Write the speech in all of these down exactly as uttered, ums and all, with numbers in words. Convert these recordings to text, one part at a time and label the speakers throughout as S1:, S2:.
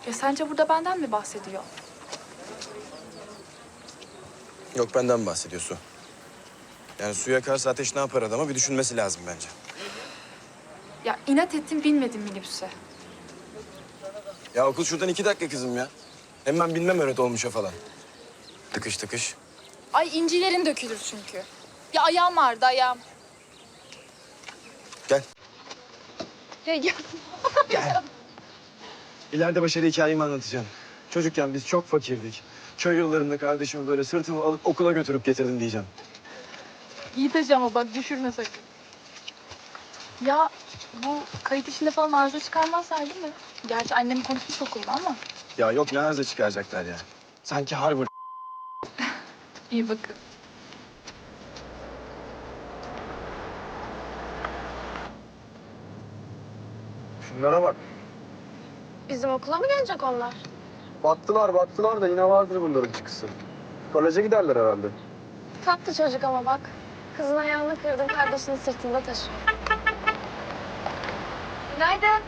S1: Ya sence burada benden mi bahsediyor?
S2: Yok, benden bahsediyor Su. Yani suya karşı ateş ne yapar adama bir düşünmesi lazım bence.
S1: Ya inat ettim binmedim minibüse.
S2: Ya okul şuradan iki dakika kızım ya. Hem ben bilmem öyle dolmuşa falan. Tıkış tıkış.
S1: Ay incilerin dökülür çünkü. Ya ayağım vardı ayağım.
S2: Gel.
S1: Ya, ya.
S2: Gel. İleride başarı hikayemi anlatacağım. Çocukken biz çok fakirdik. Köy yıllarında kardeşimi böyle sırtımı alıp okula götürüp getirdim diyeceğim.
S1: İyi taşı ama bak düşürme sakın. Ya bu kayıt işinde falan arıza çıkarmazlar değil mi? Gerçi annem konuşmuş okulda ama.
S2: Ya yok, ne arıza çıkaracaklar ya. Sanki Harvard.
S1: İyi bakın.
S2: Şunlara bak.
S3: Bizim okula mı gelecek onlar?
S2: Battılar battılar da yine vardır bunların çıkısı. Koleje giderler herhalde.
S3: Tatlı çocuk ama bak. Kızın ayağını kırdın, kardeşini sırtında taşıyor. Günaydın.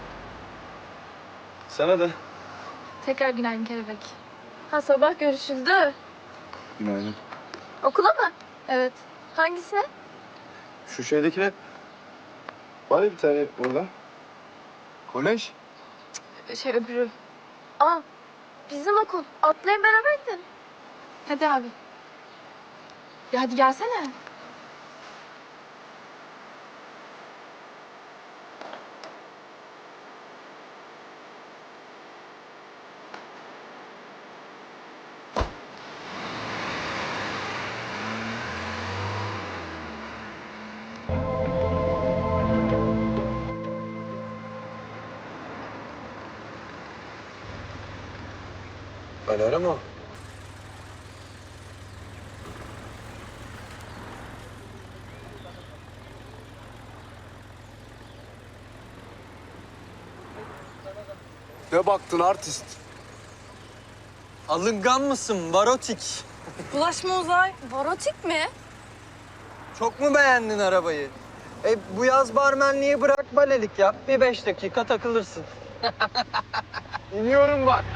S2: Sana da.
S1: Tekrar günaydın kelebek.
S3: Ha sabah görüşüldü.
S2: Günaydın.
S3: Okula mı?
S1: Evet.
S3: Hangisine?
S2: Şu şeydekine var ya bir tane burada. Kolej.
S1: Şey öbürü.
S3: Aa, bizim okul. Atlayın beraber gidin.
S1: Hadi abi. Ya hadi gelsene.
S2: Alara mı? Ne baktın artist?
S4: Alıngan mısın varotik?
S3: Bulaşma Uzay. Varotik mi?
S4: Çok mu beğendin arabayı? E bu yaz barmenliği bırak balelik yap. Bir beş dakika takılırsın.
S2: İniyorum bak.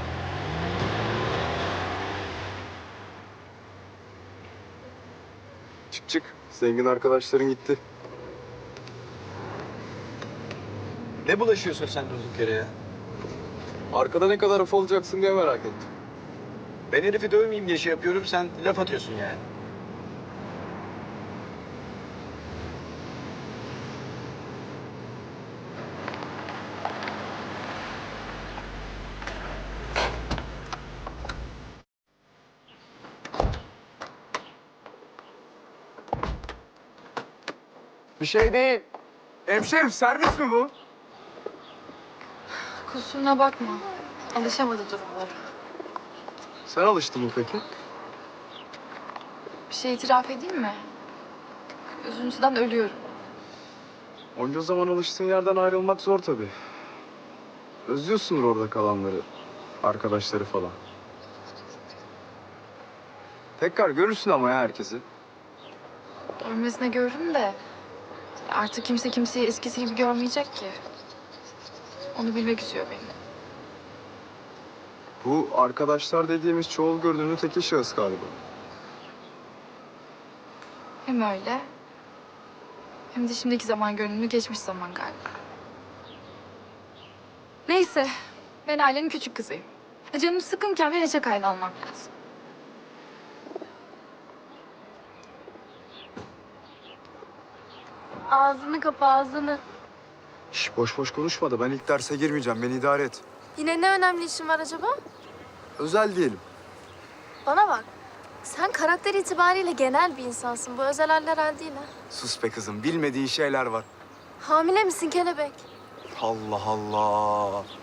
S2: Çık çık. Zengin arkadaşların gitti. Ne bulaşıyorsun sen durduk yere ya? Arkada ne kadar af olacaksın diye merak ettim. Ben herifi dövmeyeyim diye şey yapıyorum, sen laf atıyorsun yani. Bir şey değil. Hemşerim, servis mi bu?
S1: Kusuruna bakma. Alışamadı durumlara.
S2: Sen alıştın mı peki?
S1: Bir şey itiraf edeyim mi? Üzüntüden ölüyorum.
S2: Onca zaman alıştığın yerden ayrılmak zor tabii. Özlüyorsundur orada kalanları, arkadaşları falan. Tekrar görürsün ama ya herkesi.
S1: Ölmesine görürüm de artık kimse kimseyi eskisi gibi görmeyecek ki. Onu bilmek üzüyor beni.
S2: Bu arkadaşlar dediğimiz çoğul görünümlü tekil şahıs galiba.
S1: Hem öyle hem de şimdiki zaman görünümlü geçmiş zaman galiba. Neyse ben ailenin küçük kızıyım. Canım sıkınken bir neşe kaydı almak lazım.
S3: Ağzını kapa ağzını.
S2: Şş, boş boş konuşma da ben ilk derse girmeyeceğim. Beni idare et.
S3: Yine ne önemli işin var acaba?
S2: Özel diyelim.
S3: Bana bak. Sen karakter itibariyle genel bir insansın. Bu özel haller hal değil ha.
S2: Sus be kızım. Bilmediğin şeyler var.
S3: Hamile misin kelebek?
S2: Allah Allah.